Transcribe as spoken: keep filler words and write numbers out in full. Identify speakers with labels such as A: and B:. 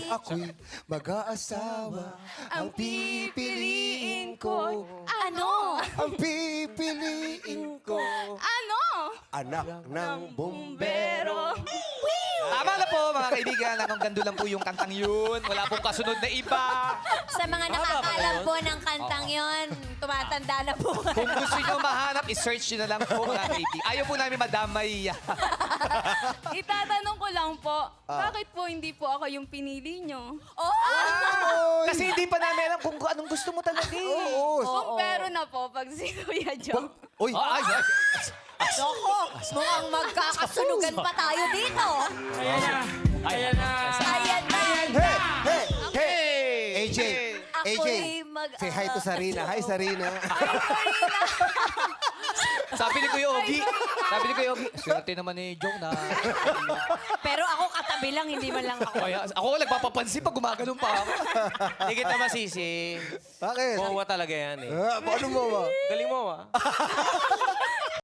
A: ako'y mag-aasawa. Ang pipiliin ko,
B: Ano?
A: ang pipiliin ko,
B: Ano?
A: anak ng bumbero.
C: Tama na po, mga kaibigan. Anong gando lang po yung kantang yun. Wala pong kasunod na iba.
B: Sa mga nakakalam po ng kantang yon, tumatanda na po.
C: Kung gusto nyo mahanap, i-search nyo na lang po, mga kaibigan. Ayaw po namin madamay.
D: Itatanong ko lang po, bakit po hindi po ako yung pinili nyo?
B: Oh!
C: Kasi hindi pa namin alam kung anong gusto mo talaga. eh.
A: Oo.
D: Kung pero na po, pag si Kuya Joe.
A: Uy,
C: Ay, ay,
B: Loko, mukhang magkakasunugan pa tayo dito.
E: Ayan na. Ayan na.
B: Ayan na.
A: hey, hey, hey. A J, A J,
B: Ako'y mag...
A: say hi to Sarina. Hi, Sarina.
C: sabi ni Kuya Ogie, sabi ni Kuya Ogie, swerte naman ni Joe na.
B: Pero ako katabi lang, hindi man lang ako.
C: Kaya, ako nagpapapansin pag gumaganon pa ako.
E: Hindi kita masisi.
A: Bakit?
E: Mawa talaga yan eh.
A: Ah, paano mo ba?
E: Galing mo ah.